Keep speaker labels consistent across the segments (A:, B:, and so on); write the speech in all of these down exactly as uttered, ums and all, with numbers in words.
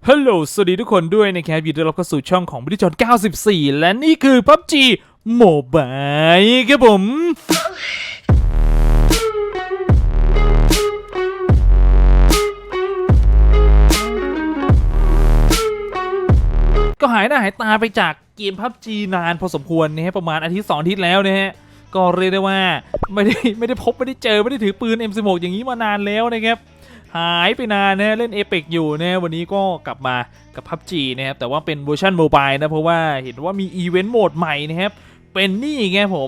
A: ฮัลโหลสวัสดีทุกคนด้วยนะครับยินดีต้อนรับเข้าสู่ช่องของบิทจอนเก้าสิบสี่และนี่คือ พับจี Mobile ครับผมก็หายหน้าหายตาไปจากเกม พับจี นานพอสมควรนะฮะประมาณอาทิตย์สองอาทิตย์แล้วนะฮะก็เรียกได้ว่าไม่ได้ไม่ได้พบไม่ได้เจอไม่ได้ถือปืน เอ็ม สิบหก อย่างนี้มานานแล้วนะครับหายไปนานนะเล่น Apex อยู่นะวันนี้ก็กลับมากับ พับจี นะครับแต่ว่าเป็นเวอร์ชันโมบายนะเพราะว่าเห็นว่ามีอีเวนต์โหมดใหม่นะครับเป็นนี่ไงผม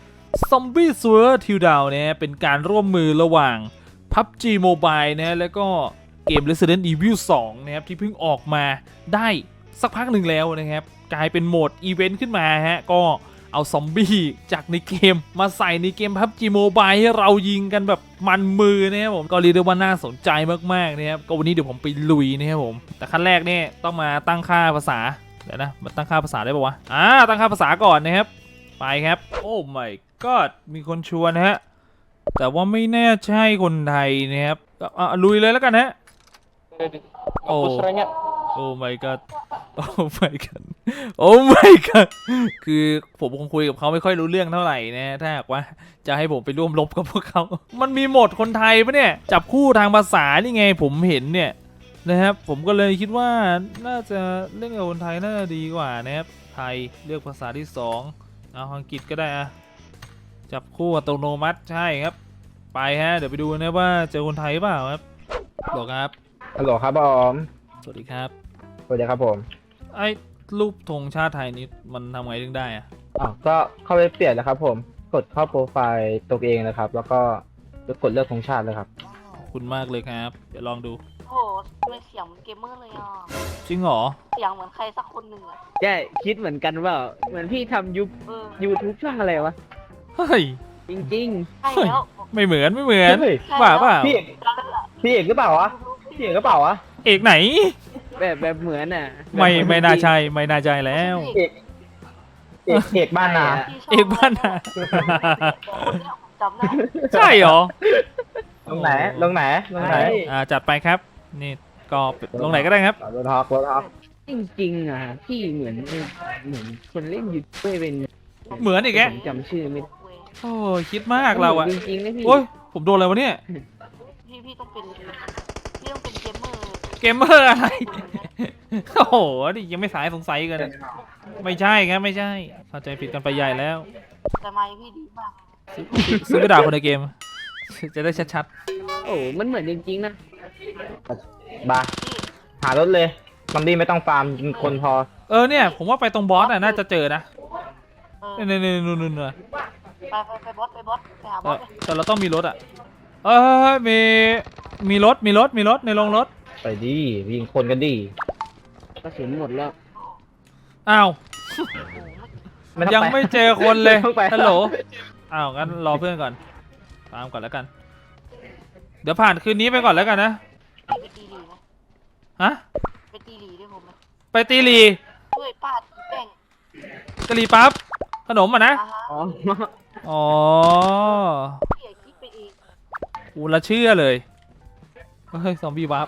A: Zombie Survivor Showdown นะเป็นการร่วมมือระหว่าง พับจี Mobile นะแล้วก็เกม Resident Evil สองนะครับที่เพิ่งออกมาได้สักพักหนึ่งแล้วนะครับกลายเป็นโหมดอีเวนต์ขึ้นมาฮะก็เอาซอมบี้จากในเกมมาใส่ในเกม พับจี Mobile ให้เรายิงกันแบบมันมือนะครับผมก็เรียกได้ว่าน่าสนใจมากๆนะครับก็วันนี้เดี๋ยวผมไปลุยนะครับผมแต่ขั้นแรกเนี่ยต้องมาตั้งค่าภาษาเดี๋ยวนะมาตั้งค่าภาษาได้ป่าวะอ่าตั้งค่าภาษาก่อนนะครับไปครับโอ้ my god มีคนชวนนะฮะแต่ว่าไม่แน่ใช่คนไทยนะครับอ่ะลุยเลยแล้วกันฮะโอ้โอ้ my god โอ้ my god โอ้ my god คือผมคงคุยกับเขาไม่ค่อยรู้เรื่องเท่าไหร่นะถ้าหากว่าจะให้ผมไปร่วมรบกับพวกเขามันมีโหมดคนไทยปะเนี่ยจับคู่ทางภาษานี่ไงผมเห็นเนี่ยนะครับผมก็เลยคิดว่าน่าจะเล่นกับคนไทยน่าจะดีกว่านะครับไทยเลือกภาษาที่สองเอาอังกฤษก็ได้อะจับคู่อัตโนมัติใช่ครับไปฮะเดี๋ยวไปดูนะว่าเจอคนไทยเปล่าครับบอกครับ
B: ฮัลโหลครับผม
A: สวัสดีครับ
B: สวัสดีครับผม
A: ไอ้รูปธงชาติไทยนี้มันทำไงถึงได้อะ
B: อ๋อก็เข้าไปเปลี่ยนแล้วครับผมกดเข้าโปรไฟล์ตัวเองนะครับแล้วก็กดเลือกธงชาติเลยครับ
A: ขอบคุณมากเลยครับเดี๋ยวลองดู
C: โหเป็นเสียงเหมือนเกมเมอร์เลยอ่ะ
A: จริงเหรอ
C: เสียงเหมือนใครสักคนหนึ่งอ่ะ
B: ใช่คิดเหมือนกันว่าเหมือนพี่ทำยูยูทูบช่องอะไรวะ
A: เฮ้ย
B: จริง
C: ๆใช่แล้ว
A: ไม่เหมือนไม่เหมือนว่าเปล่า
B: พี่เอกพี่เอกหรือเปล่าวะพี่เอกหรือเปล่าวะ
A: เอกไหน
B: แบบแบบเหมือนอ่ะ
A: ไม่ไม่น่าใช่ไม่น่าใช่แล้ว
B: เอกเอกเอกบ้านนา
A: เอกบ้านนา
C: จำได้
A: ใช่เหรอ
B: ลงไหนลงไหนลงไหน
A: อ่าจัดไปครับนี่ก็ลงไหนก็ได้ครับ
B: รถฮอกรถฮอกจริงๆอ่ะพี่เหมือนเหมือนคนเล่นยูทูบเป็น
A: เหมือนอีกแก
B: จำชื่อไม่
A: โอ้คิดมากเราอะ
B: จริงๆนะพี่
A: โอ้ยผมโดนอะไรวะเนี่ย
C: พี่พี่ต้องเป็นพี่ต้องเป็นเกมเมอร์
A: เกมเมอร์อะไรโอ้โหดิยังไม่สายสงสัยกันไม่ใช่ครับไม่ใช่เข้าใจผิดกันไปใหญ่แล้ว
C: แต่ไม่พี่ดีมาก
A: ซื้อไปด่าคนในเกมจะได้ชัด
B: ๆโอ้มันเหมือนจริงๆนะบาหารถเลยซอมบี้ไม่ต้องฟาร์มยิงคนพอ
A: เออเนี่ยผมว่าไปตรงบอสน่ะน่าจะเจอนะเนี่ยเนี่ยเนี่ยนู่นนู่นเลย
C: ไปไปไปบอสไปบอสไปหาบอส
A: แต่เราต้องมีรถอ่ะเออมีมีรถมีรถมีรถในโรงรถ
B: ไปดิยิงคนกันดิกระสุนหมดแล้ว
A: อ้าวยังไม่เจอคนเลยฮัลโหลอ้าวงั้นรอเพื่อนก่อนตามก่อนแล้วกันเดี๋ยวผ่านคืนนี้ไปก่อนแล้วกันนะ
C: ไปตีหลีไหม
A: ฮะ
C: ไปตีหลีด้วยผมไหม
A: ไปตีหลี
C: ช่วยป้าตีแป้ง
A: กะหรี่ปั๊บขนมอ่ะนะอ๋อ
C: พี่อยากคิดไปเอง
A: กูละเชื่อเลยเฮ้ยซอมบี้วับ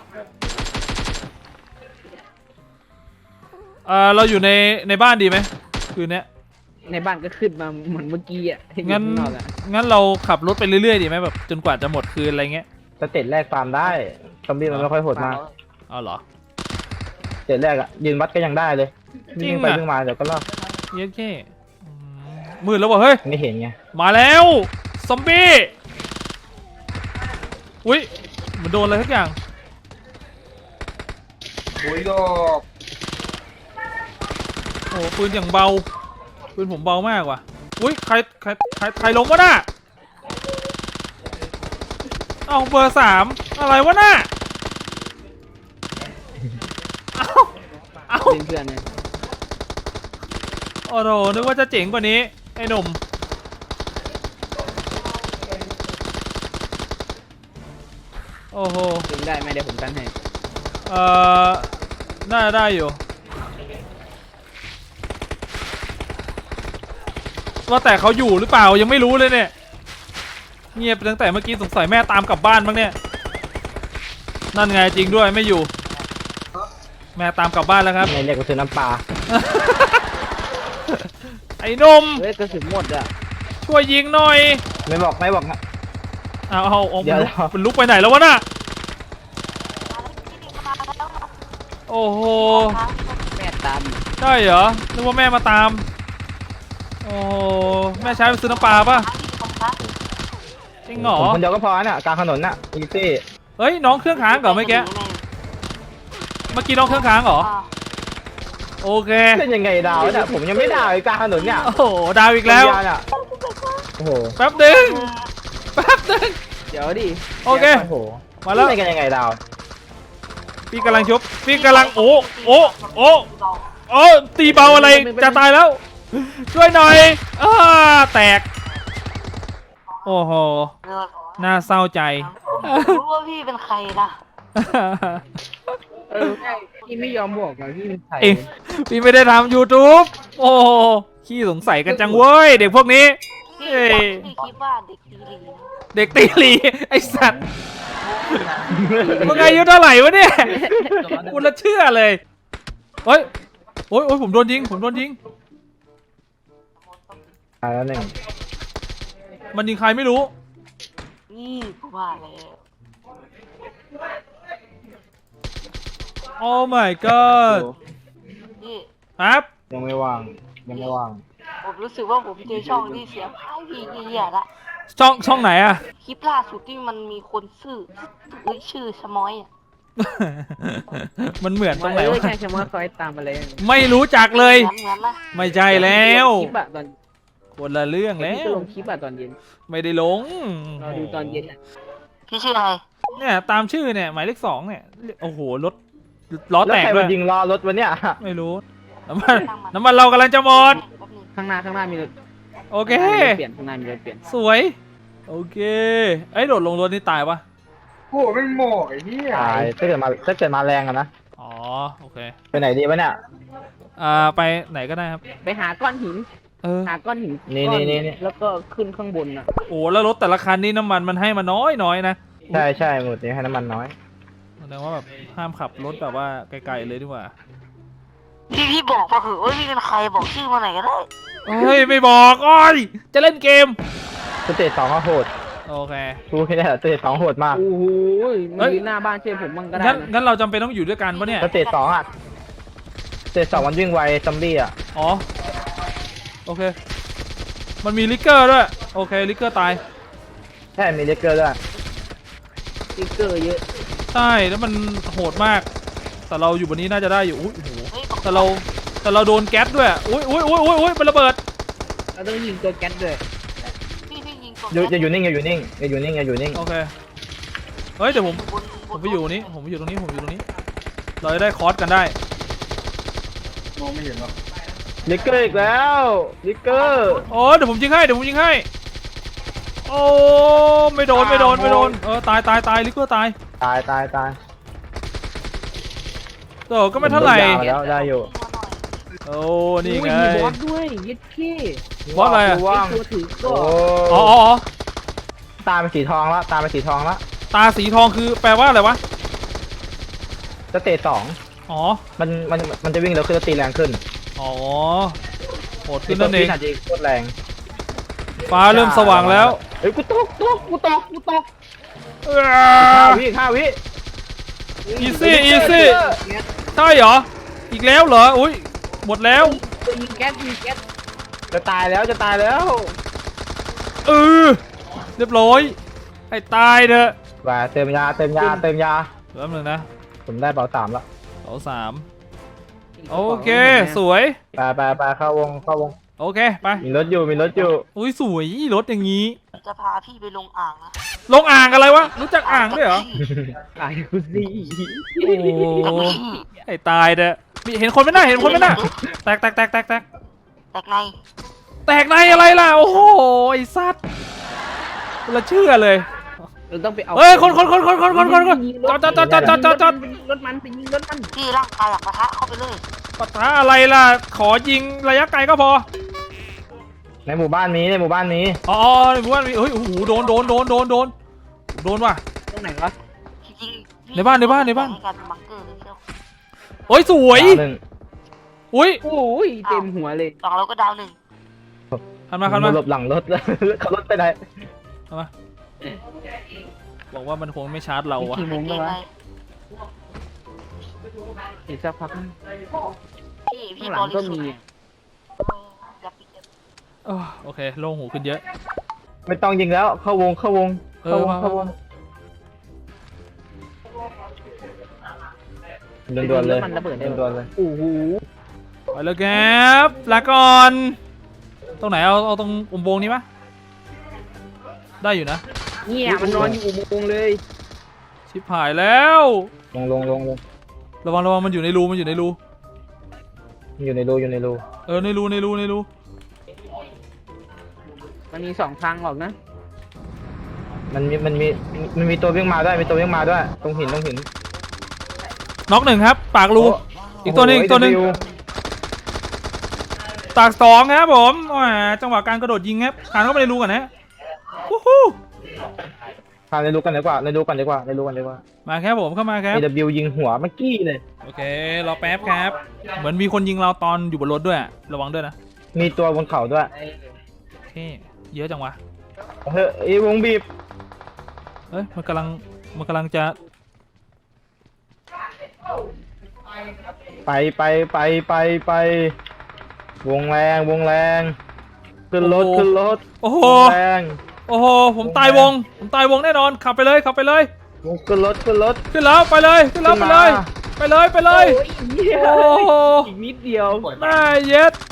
A: เออเราอยู่ในในบ้านดีไหมคืนนี้
B: ในบ้านก็ขึ้นมาเหมือนเมื่อกี้อ่ะ
A: งั้นงั้นเราขับรถไปเรื่อยๆดีไหมแบบจนกว่าจะหมดคืนอะไรเงี้ย
B: สเตจแรกฟาร์มได้ซอมบี้มันไม่ค่อยโหดมาก
A: อ๋อเหรอ
B: สเตจแรกอ่ะยืนวัดก็ยังได้เลยวิ่งไปวิ่งมาเดี๋ยวก็รอด
A: เยอะแค่มืดแล้ววะเฮ้ย
B: ไม่เห็นไง
A: มาแล้วซอมบี้อุ้ยมันโดนอะไรทุกอย่าง
B: โอ้ยโดก
A: โอ้ปืนอย่างเบาปืนผมเบามากว่ะอุ้ยใครใครใครใครลงวะน่ะเอาเบอร์สามอะไรวะน่ะเอาเอา
B: เพื่อนเนี่ย
A: โอ้โหนึกว่าจะเจ๋งกว่านี้ไอ้หนุ่มโอ้โห
B: ดึงได้ไหมเดี๋ยวผมกันให้
A: เอ่อน่าได้อยู่ว่าแต่เขาอยู่หรือเปล่ายังไม่รู้เลยเนี่ยเงียบตั้งแต่เมื่อกี้สงสัยแม่ตามกลับบ้านบ้างเนี่ยนั่นไงจริงด้วยไม่อยู่แม่ตามกลับบ้านแล้วครับ
B: ในเรียกกระสุนน้ำปลา
A: ไอ้หนม
B: เฮ้ยกระสุนหมดอ่ะ
A: ช่วยยิงหน่อย
B: ไม่บอกไม่บอกนะ
A: เอาเอาเอา
B: เดี๋ยว
A: มันลุกไปไหนแล้ววะน่ะโอ้โห
B: แม่ตาม
A: ใช่เหรอนึกว่าแม่มาตามโอ้โหแม่ใช้ไปซื้อน้ำปลาป่ะจริงเหรอ
B: ผมคนเดียวก็พอน่ะกลางถนนน่ะอีซี่
A: เฮ้ยน้องเครื่องค้างเหรอเมื่อกี้เมื่อกี้น้องเครื่องค้างเหรอโอเค
B: เป็นยังไงดาวเนี่ยผมยังไม่ดาวอีกกลางถนนเนี่ย
A: โอ้โหดาวอีกแล้ว
B: ยาวเนี่ยโอ้โห
A: แป๊บหนึงแป๊บหนึง
B: เดี๋ยวดิ
A: โอเค
B: โอ้โห
A: มาแล้ว
B: เป็นกันยังไงดาว
A: พี่กำลังชุบพี่กำลังโอ้โอ้โอ้โอ้ตีเบาอะไรจะตายแล้ว ช่วยหน่อยอ้าแตก โอ้โห น่าเศร้าใจ
C: รู้ว่าพี่เป็นใครนะ
B: เออพี่ไม่ยอมบอกเลยพี่เป็นใคร
A: เองพี่ไม่ได้ทำ YouTube โอ้โหขี้สงสัยกันจังเว้ย เด็กพวกนี้
C: พี่
A: เอ้ย
C: พี่คิดว่าเด็กตีหลี
A: เด็กตีหลีไอสัตว์มึงอายุเท่าไหร่วะเนี่ยกูละเชื่อเลยเฮ้ยโอ้ยโอ้ยผมโดนยิงผมโดนยิง
B: ตายแล้วหนึ่ง
A: มันยิงใครไม่รู้
C: นี่กูว่าแล้ว
A: โอ้ my god
C: นี่
A: ครับ
B: ยังไม่ว่างยังไม่ว่าง
C: ผมรู้สึกว่าผมเจอช่องที่เสียพายพี่เหี้ยละ
A: ช่องช่องไหนอะ
C: คลิปล่าสุดที่มันมีคนชื่อเอ้ยชื่อชะม้อยอ่ะ
A: มันเหมือนตรงไหนวะ
B: ใช่ใช่ว่าคอยตามมาเลย
A: ไม่รู้จักเลย
C: เหมือนเหมือนนะ
A: ไม่ใช่แล้ว
B: คลิปอะตอน
A: คนละเรื่องแล้
B: พี่ก็
A: ว
B: ลงคลิปอะตอนเย็น
A: ไม่ได้ลง
B: เราดูตอนเย็นอะ
C: พี่ชื่ออะไร
A: เนี่ยตามชื่อเนี่ยหมายเลขสองเนี่ยโอ้โหรถล้อ
B: แล้ว
A: แตก
B: ใคร
A: ด้ว
B: มาย ยิงล้อรถวะเนี่ย
A: ไม่รู้น้ำมันน้ำมันเรากำลังจะหมด
C: แป๊บนึง
B: ข้างหน้าข้างหน้ามีรถ
A: โอเค
B: เปลี่ยนข้างหน้ามีรถเปลี่ยน
A: สวย โอเคไอ้ยโดดลงรถนี่ตายปะ
D: โอ้โหไม่หมอกไอ้เหี้ย
B: ตายถ้าเกิดมาถ้าเกิดมาแรงอะนะ
A: อ๋อโอเค
B: ไปไหนดีวะเนี่ย
A: อ่าไปไหนก็ได้ครับ
B: ไปหาก้อนหิน
A: เออ
B: หาก้อนหิน
E: นี่
B: ก้อ
E: นี่นี่นี่
B: แล้วก็ขึ้นข้างบนอ่ะ
A: โอ้แล้วรถแต่ละคันนี่น้ำมันมันให้มาน้อยน้อยนะ
E: ใช่ใช่หมดนี้ให้น้ำมันน้อย
A: แสดงว่าแบบห้ามขับรถแบบว่าไกลๆเลยดีกว่า
C: พี่พี่บอกมาเหอะว่าพี่เป็นใครบอกชื่อมาไหนอยก็ได้
A: เฮ้ยไม่บอกอ้อยจะเล่นเกม
E: สเตจสองก็โหด
A: โอเค
E: กูแค่ได้สเตจสองโหดมาก
B: โอ้โห
A: เฮ้
B: มัน
A: ย
B: ยืนหน้าบ้านเช่วยผมบ้างก็ได้
A: งั้น
B: นะ
A: งั้นเราจำเป็นต้องอยู่ด้วยกันปะเนี่ย
E: สเตจสองอ่ะสเตจสองมันวิ่งไวซอมบี้อ่ะ
A: อ๋อโอเค มันมีลิกเกอร์ด้วยโอเคลิกเกอร์ตาย
E: ใช่มีเลเกอร์ด้วย
B: สติ๊กเกอร์เยอะ
A: ใช่แล้วมันโหดมาก แต่เราอยู่บนนี้น่าจะได้อยู่อุ้ยโอ้โห
C: เฮ้ย
A: แต่เราแต่เราโดนแก๊สด้วยอุ้ยอุ้ยอุ้ยอุ้ยอุ้ยมันระเบิด
B: เราต้องยิงตัวแก๊สด้วย
C: พี่พี่ยิงตัว
E: อย่าอย่าอยู่นิ่งอย่าอยู่นิ่งอย่าอยู่นิ่งอย่าอยู่นิ่ง
A: โอเคเฮ้ยเดี๋ยวผม
C: บน
A: ผมไปอยู่นี้ผมไปอยู่ตรงนี้ผมอยู่ตรงนี้ เราจะได้คอร์สกันได้
D: มองไม่เห็นหรอก
E: เลเกอร์อีกแล้วเลเกอร์
A: โอ้เดี๋ยวผมยิงให้เดี๋ยวผมยิงให้โอ้ไม่โดนไม่โดนไม่โดนเออตายตายตายลิกเกอร์ตาย
E: ตายตายตาย
A: เออก็ไม่เท่าไหร่
E: ยาวแล้วได้อยู่
A: โอ้นี่ไง
B: โอ้ยมีบอสด้วยยึดขี้
A: บอสอะไรอะ
E: ว่าง
B: ไอ้ตัวถือ
E: โอ้
B: ก็
A: อ๋ออ๋ออ๋อ
E: ตาเป็นสีทองแล้วตาเป็นสีทองแล้ว
A: ตาสีทองคือแปลว่าอะไรวะ
E: สเตจสอง
A: อ๋อ
E: มันมันมันจะวิ่งเร็วขึ้นแล้วตีแรงขึ้น
A: อ๋อโหดขึ้นนั่นเอง
E: อาจจะโคตรแรง
A: ฟ้าเริ่มสว่างแล้ว
E: เฮ้ยกูตกตกกูตกกูตก
A: เอ
E: ห้า
A: อ
E: วิห้าวิ
A: อีซี่อีซี่ใช่เหรออีกแล้วเหรออุ้ยหมดแล้ว
B: ตัวยิงแก๊สยิงแก๊ส
E: จะตายแล้วจะตายแล้ว
A: เออเรียบร้อยให้ตายเถอะ
E: ว่าเติมยาเติมยาเติมยา
A: แป๊บนึงนะ
E: ผมได้เบาสามแล้ว
A: เสาสามโอเคสวย
E: ไปไปไปเข้าวงเข้าวง
A: โอเคไป
E: มีรถอยู่มีรถอยู่
A: อุ้ยสวยรถอย่างนี้
C: จะพาพี่ไปลงอ่างนะ
A: ลงอ่างอะไรวะรู้จักอ่างด้วยเหรอ
B: ตายกูสิ
A: โอ้ให้ตายเถอะมีเห็นคนไหมน่ะเห็นคนไหมน่ะแตกแตกแตกแตกแตก
C: แตกใน
A: แตกในอะไรล่ะโอ้โหไอ้สัตว์ละเชื่อเลย
B: เราต้องไปเอา
A: เฮ้ยคนคนคนคนคนคนคนคนจอดจอดจอดจอดจอดจอดจอด
B: ไปยิงรถมันไปยิงรถมัน
C: พี่ร่างกายอยากปะทะเข้าไปเลย
A: ปะทะอะไรล่ะขอยิงระยะไกลก็พอ
E: ในหมู่บ้านนี้ในหมู่บ้านนี้
A: อ๋อในหมู่บ้านมีเฮ้ยโอ้โหโดนโดนโดนโดนโดนโดนว่ะ
B: ตรงไหนวะ
C: จริงๆพี่
A: ในบ้านในบ้านในบ้าน
C: ให้กลายเป็นบังเกอร์เลยเชียว
A: โอ้ยสวย
B: ดาวหนึ่ง
A: อุ้ย
B: โอ้ยเต็มหัวเลย
C: สองเราก็ดาวหนึ่ง
A: ขันมาขันมา
B: หลบหลังรถ ขับรถไปไหน
A: ขันมาบอกว่ามันคงไม่ชาร์จเราอะ
B: กี่โมง
C: เก
B: แล้ว
C: ม
B: วะ
C: อะไร
B: อีกสักพัก
C: พี่พี่
B: ข้างห
C: บ
B: ลังก็
C: ริสุท
B: มี
C: ธิ์อย่าปิดอย่าปิด
A: เอ้อโอเคโล่งหูขึ้นเยอะ
B: ไม่ต้องยิงแล้วเข้าวงเข้าวง
A: เอ
B: เข้า
A: อ
B: วง
A: มา
B: เข้าวง
A: มา
B: ด่วนๆเลยด่วนๆเลยโอ้โห
A: ไปแล้วครับลาก่อนตรงไหนเอาเอาตรงอุโมงค์นี้ปะได้อยู่นะ
B: เนี่ยมันนอนอยู่อุโมงค์เลย
A: ชิบหายแล้ว
B: ลงลงลงลง
A: ระวังระวังมันอยู่ในรูมันอยู่ในรู
B: อยู่ในรูอยู่ในรู
A: เออในรูในรูในรู
B: มันมีสองทางออกนะ มันมีมันมีมันมีตัววิ่งมาด้วยมีตัววิ่งมาด้วยตรงหินตรงหิน
A: น็อกหนึ่งครับปากรู อีกตัวหนึ่ง
B: โโ
A: อีกตัวหนึ่ง
B: เดบิ
A: ตากสองครับผมแหมจังหวะการกระโดดยิงครับผ่านเข้าไปในรูก่อนนะวู้ฮู้
B: พาในรูกันดีกว่าในรูกันดีกว่าในรูกันดีกว่า
A: มาครับผมเข้ามาครับ
B: เอ ดับเบิลยู ยิงหัวเมื่อกี้เลย
A: โอเครอแป๊บครับ เหมือนมีคนยิงเราตอนอยู่บนรถด้วยอะระวังด้วยนะ
B: มีตัวบนเขาด้วย
A: โอเคเยอะจังวะ
B: เฮ้ยไอ้วงบีบ
A: เอ้ยมันกำลังมันกำลังจะ
B: ไปไปไปไปไปวงแรงวงแรงขึ้นรถขึ้นรถ
A: โอ้โห
B: วงแรง
A: โอ้โหผมตายวงผมตายวงแน่นอนขับไปเลยขับไปเลย
B: วงขึ้นรถขึ้นรถ
A: ขึ้นแล้วไปเลยขึ้นแล้วไปเลย ไปเลยไปเลย โอ้โห
B: อีกนิดเดียว
A: น่าเย็ด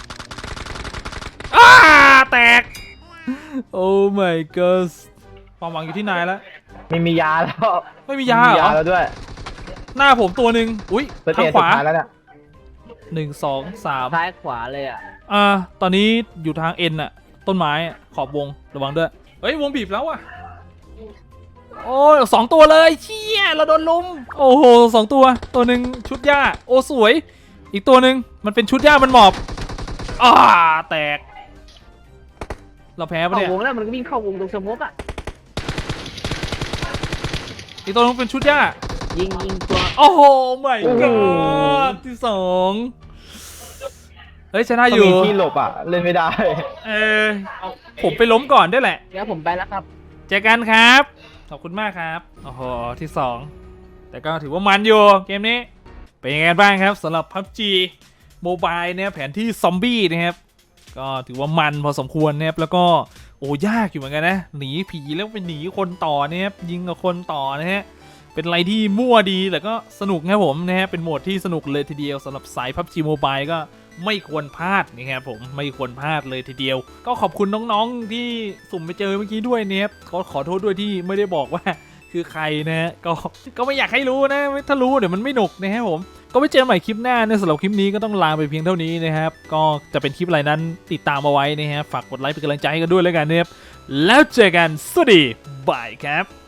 A: อ้าแตก โอ้ my god ความหวังอยู่ที่นายแล้ว
B: ไม่มียาแล้ว
A: ไม่มียาเหรอ
B: แล้วด้วย
A: หน้าผมตัวหนึ่งอุ้ย
B: เปิด
A: ทาง
B: เอ็น
A: ข
B: สุด
A: วา
B: ท้ายแล้วเนี่ย
A: หนึ่งสองสาม
B: ซ้ายขวาเลยอ่ะ
A: อ่าตอนนี้อยู่ทางเอ็นอะต้นไม้อะขอบวงระวังด้วยเฮ้ยวงบีบแล้วอะโอ้ยสองตัวเลยเชี่ยเราโดนลุมโอ้โหสองตัวตัวหนึ่งชุดหญ้าโอ้สวย อีกตัวหนึ่งมันเป็นชุดหญ้ามันหมอบอ่าแตก เราแพ้ปะ
B: เข้า
A: เนี่ยว
B: งแล้วมันก็วิ่งเข้าวงตรงสมมติอ่ะ
A: อีกตัวหนึงเป็นชุดหญ้า
B: ยิงยิงตัว
A: โอ้โหไม่
B: โอ้โห
A: ก็ที่สองเฮ้ยชนะอ
B: ต้
A: ยู่
B: งมีที่หลบอ่ะเล่นไม่ได้
A: เออผมไปล้มก่อนด้วยแหละ
B: เดี๋ยวผมไปแล้วครับ
A: เจอกันครับ ขอบคุณมากครับ โอ้โห ที่สองแต่ก็ถือว่ามันอยู่เกมนี้ เป็นยังไงบ้างครับสำหรับ พับจี Mobile เนี่ยแผนที่ซอมบี้นะครับ ก็ถือว่ามันพอสมควรนะครับ แล้วก็โอ้ยากอยู่เหมือนกันนะ หนีผีแล้วไปหนีคนต่อนะครับยิงกับคนต่อนะฮะ เป็นอะไรที่มั่วดีแต่ก็สนุกครับผมนะฮะ เป็นโหมดที่สนุกเลยทีเดียวสำหรับสาย พับจี Mobile ก็ไม่ควรพลาดนะครับผมไม่ควรพลาดเลยทีเดียว ก็ขอบคุณน้องๆที่สุ่มไปเจอเมื่อกี้ด้วยนะครับก็ขอโทษด้วยที่ไม่ได้บอกว่าคือใครนะฮะก็ก็ไม่อยากให้รู้นะถ้ารู้เดี๋ยวมันไม่หนุกนะครับผมก็ไปเจอใหม่คลิปหน้าในสำหรับคลิปนี้ก็ต้องลาไปเพียงเท่านี้นะครับก็จะเป็นคลิปอะไรนั้นติดตามเอาไว้นะฮะฝากกดไลค์เป็นกำลังใจให้กันด้วยแล้วกันนะครับแล้วเจอกันสวัสดีบายครับ